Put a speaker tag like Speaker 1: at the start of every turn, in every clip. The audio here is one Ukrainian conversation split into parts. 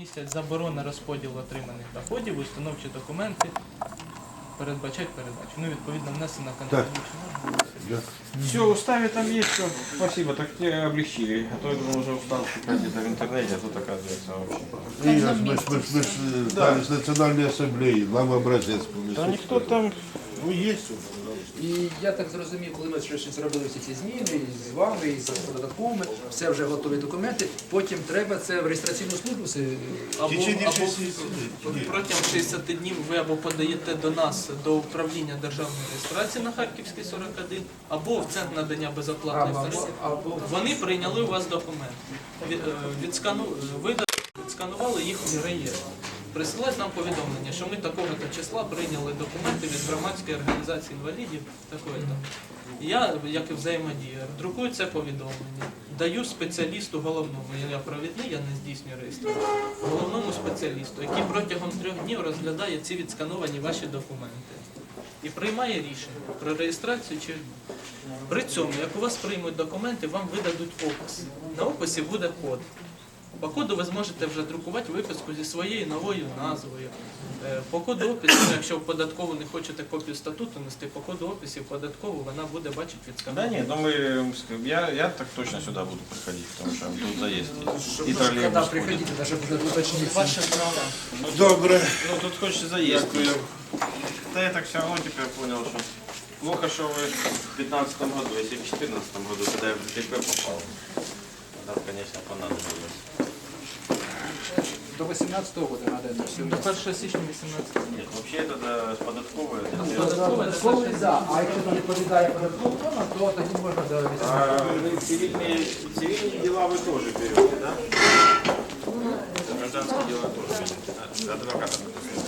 Speaker 1: місяць заборона розподілу отриманих доходів, установчі документи передбачать передачу. Ну, відповідно, внесена контролююча.
Speaker 2: Все, в уставе там есть все. Спасибо, так тебе облегчили. А то я думал, уже устал шукать где-то в интернете, а тут оказывается вообще.
Speaker 3: Ігор, ми ж дали з Національної асамблеї, нам образець
Speaker 2: Да
Speaker 3: повністю.
Speaker 2: никто там...
Speaker 3: Ну, є уже.
Speaker 4: І я так зрозумів, коли ми щось зробили всі ці зміни і з вами, і з податковими, все вже готові документи, потім треба це в реєстраційну службу.
Speaker 1: Або
Speaker 3: Течение
Speaker 1: протягом 60 днів ви або подаєте до нас, до управління державної реєстрації на Харківській 41, або в Центр надання безоплатної сервісу. Вони прийняли у вас документи. Ви відсканували їх у реєстр. Присилають нам повідомлення, що ми такого-то числа прийняли документи від громадської організації інвалідів, такої-то. Я, як і взаємодія, друкую це повідомлення, даю спеціалісту головному, я провідний, я не здійснюю реєстрацію, головному спеціалісту, який протягом 3 днів розглядає ці відскановані ваші документи і приймає рішення про реєстрацію чи ні. При цьому, як у вас приймуть документи, вам видадуть опис. На описі буде код. По коду ви зможете вже друкувати виписку зі своєю новою назвою. По коду опису, якщо в податкову не хочете копію статуту нести, по коду описів податкову вона буде бачити
Speaker 2: Да
Speaker 1: відскановані.
Speaker 2: нет, ну я так точно сюда буду приходить, потому что тут заезд есть. И
Speaker 4: Когда
Speaker 2: троллейбус ходит.
Speaker 4: приходите, даже будет уточнить.
Speaker 1: Ваше право.
Speaker 3: Добре.
Speaker 2: Ну тут хочется заезд. Да я так все равно теперь понял, что плохо, что вы в 2015 году, если в 2014 году, когда я в ДТП попал, тогда, конечно, понадобилось.
Speaker 4: До 18 года надо это все.
Speaker 1: До 1 січня 18
Speaker 2: Нет, вообще это с податковой.
Speaker 4: Податковий, да. А якщо там відповідає податкову тему, то тоді можна до 18.
Speaker 2: Цивильные дела вы тоже берете, да? Гражданские дела тоже берете. Адвоката.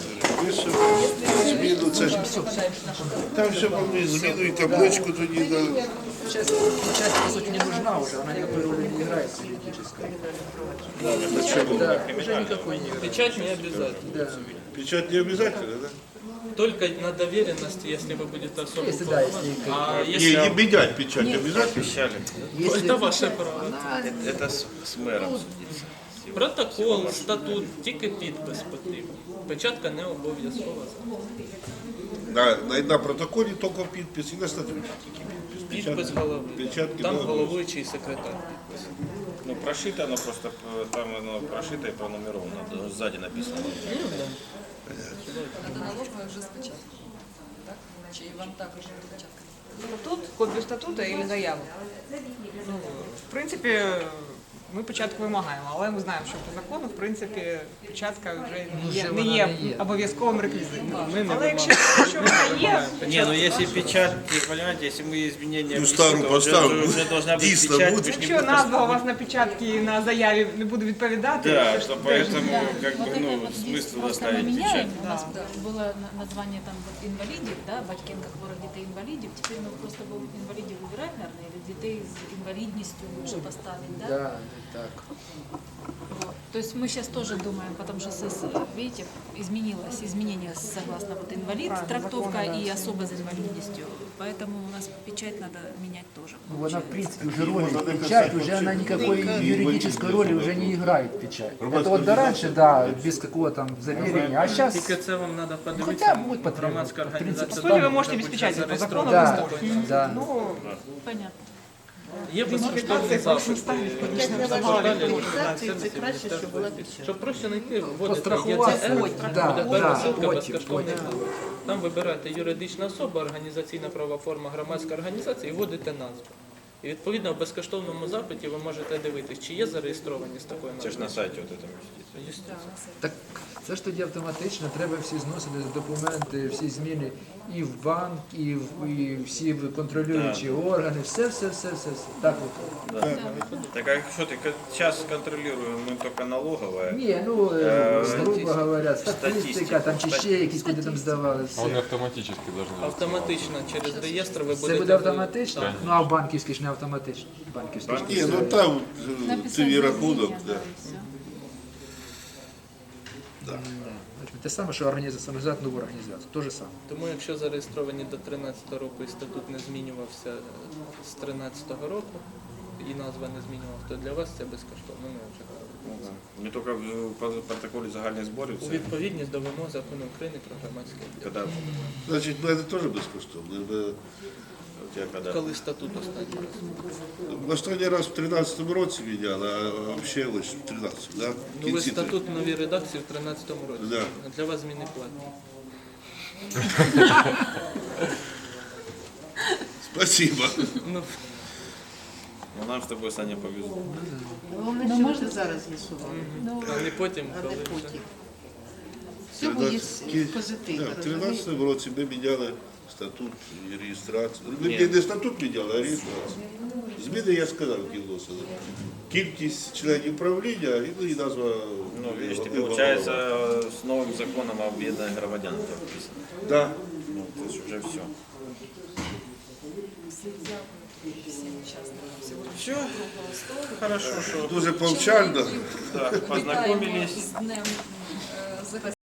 Speaker 3: Зміну, це ж... Там все повинні зміну і табличку тоді дали.
Speaker 4: Сейчас часть, по сути, не нужна уже, она никакой роли не играет юридической. Да, уже никакой не играет.
Speaker 1: Печать не обязательно.
Speaker 4: Да.
Speaker 3: Печать не обов'язково, да?
Speaker 1: Только на доверенности, если вы будете особо
Speaker 4: Если, да, если...
Speaker 1: А
Speaker 3: Не,
Speaker 1: если...
Speaker 3: не менять печать обов'язково.
Speaker 2: Обещали.
Speaker 1: Это ваше право.
Speaker 2: Это с мэром судиться.
Speaker 1: Протокол, статут, тільки підпис потрібен. Печатка не обов'язкова.
Speaker 3: На протоколі тільки підпис і на статуті.
Speaker 1: Підпис голови.
Speaker 3: Печатки
Speaker 1: Там
Speaker 3: не
Speaker 1: головуючий секретар підпис.
Speaker 2: Ну, прошито оно просто, там оно прошито и пронумеровано, сзади написано.
Speaker 5: Надо налоговая уже с печаткой. Так? Чи вам також печатка?
Speaker 6: Статут, копію статуту і заяву. Ну, в принципі, ми печатку вимагаємо, але ми знаємо, що по закону, в принципі, печатка вже не є обов'язковим реквізитом. Але якщо вона є,
Speaker 2: Не, ну если печать, понимаете, если мы изменения
Speaker 3: Ну, старую
Speaker 2: внесем, то
Speaker 3: поставлю.
Speaker 2: уже должна быть
Speaker 3: Дійсно
Speaker 2: печать.
Speaker 3: буде.
Speaker 2: вы ж не
Speaker 6: якщо
Speaker 2: будете-
Speaker 6: назва у вас на печатці і на заяві не буде відповідати,
Speaker 2: Да,
Speaker 6: це ж
Speaker 2: что
Speaker 6: теж
Speaker 2: поэтому, как бы,
Speaker 5: Вот это
Speaker 2: ну,
Speaker 5: вот есть,
Speaker 2: смысл
Speaker 5: просто мы
Speaker 2: оставить печать.
Speaker 5: меняем. У нас было название там вот инвалидов, да, Батькенко хворых детей инвалидов. Теперь мы просто будем инвалидов выбирать, наверное, или детей с инвалидностью лучше поставить, да?
Speaker 4: Да, так.
Speaker 5: Вот. То есть мы сейчас тоже думаем, потому что, видите, изменение согласно вот инвалид,
Speaker 6: Правильно,
Speaker 5: трактовка
Speaker 6: законы, да.
Speaker 5: и особо с инвалидностью. Поэтому у нас печать надо менять тоже.
Speaker 4: Ну, она, в принципе, уже роли печать, уже она никакой юридической роли уже не играет печать. Это вот до раньше, да, без какого там заверения, а сейчас...
Speaker 1: Тільки це вам треба
Speaker 4: Хоча
Speaker 1: подивитися.
Speaker 4: будуть потрібно.
Speaker 1: Громадська
Speaker 4: В принципі,
Speaker 1: організація.
Speaker 6: по суті, ви
Speaker 1: там
Speaker 6: можете
Speaker 1: буде
Speaker 6: без печаті, по закону ви
Speaker 1: зареєстрована.
Speaker 6: можете.
Speaker 4: Да.
Speaker 6: Ну,
Speaker 5: Понятно.
Speaker 1: Є безкоштовні запити.
Speaker 7: Це краще, щоб була печать.
Speaker 1: Щоб проще знайти, вводите
Speaker 4: Пострахуватися,
Speaker 1: ЄЦР,
Speaker 4: да,
Speaker 1: буде
Speaker 4: да,
Speaker 1: перша ссылка
Speaker 4: потім,
Speaker 1: безкоштовний курс. Там вибираєте юридична особа, організаційна правова форма, громадська організація і вводите назву. І відповідно в безкоштовному запиті ви можете дивитись, чи є зареєстровані з такою
Speaker 2: Это же
Speaker 1: назвою.
Speaker 2: на сайте вот это міститься.
Speaker 4: Так це ж тоді автоматично, треба всі зносити документи, всі зміни і в банк, і всі контролюючі органи, все. Так от.
Speaker 2: Так а что ты, сейчас контролируем мы только налоговая.
Speaker 4: Ні, ну, грубо говоря, статистика, там чи ще якісь куди там здавали.
Speaker 8: А они
Speaker 4: Все.
Speaker 8: автоматически должны
Speaker 1: Автоматично через реєстр ви
Speaker 4: Це
Speaker 1: будете...
Speaker 4: буде автоматично?
Speaker 1: Так.
Speaker 4: Ну а в банківській ж не автоматично. Банківській ж
Speaker 3: Ні, ну там твій рахунок. Да.
Speaker 4: Те саме, що організувати нову організацію. То же саме.
Speaker 1: Тому якщо зареєстровані до 13-го року і статут не змінювався з 13-го року, і назва не змінювалася, то для вас це безкоштовно. Ми вже говорили.
Speaker 2: Ну, да. Ми тільки в протоколі загальних зборів,
Speaker 1: У
Speaker 2: це
Speaker 1: відповідність до вимог закону України про громадське об'єднання.
Speaker 2: коли,
Speaker 3: Значить, в мене теж безкоштовно.
Speaker 2: у тебе коли.
Speaker 1: Коли статут останній раз?
Speaker 3: В останній раз в 13-му році міняли, а взагалі ось в 13-му, да? В
Speaker 1: Ну ви
Speaker 3: кінці
Speaker 1: статут в новій редакції в 13-му році.
Speaker 3: Да.
Speaker 1: А для вас зміни платні.
Speaker 3: Спасибо.
Speaker 1: Ну,
Speaker 2: Ну, нам з тобою, Саня, повезло.
Speaker 7: Головне, що можна зараз з'ясувати,
Speaker 1: а не потім,
Speaker 7: а
Speaker 1: коли
Speaker 7: не
Speaker 1: вже.
Speaker 7: потім. Все буде позитивно.
Speaker 3: В
Speaker 7: розумієте?
Speaker 3: 13-му році ми міняли статут і реєстрацію. Ми
Speaker 2: Ні.
Speaker 3: не статут міняли, а реєстрацію. Зміни, я сказав, які вносили. Кількість членів правління і назва.
Speaker 2: Ну, видишь, ты, получается, с новым законом об объединении громадян это прописано.
Speaker 3: Да.
Speaker 2: Ну, то есть уже все. Все, хорошо, что
Speaker 3: Дуже повчально.
Speaker 2: да, познакомились.
Speaker 5: З днем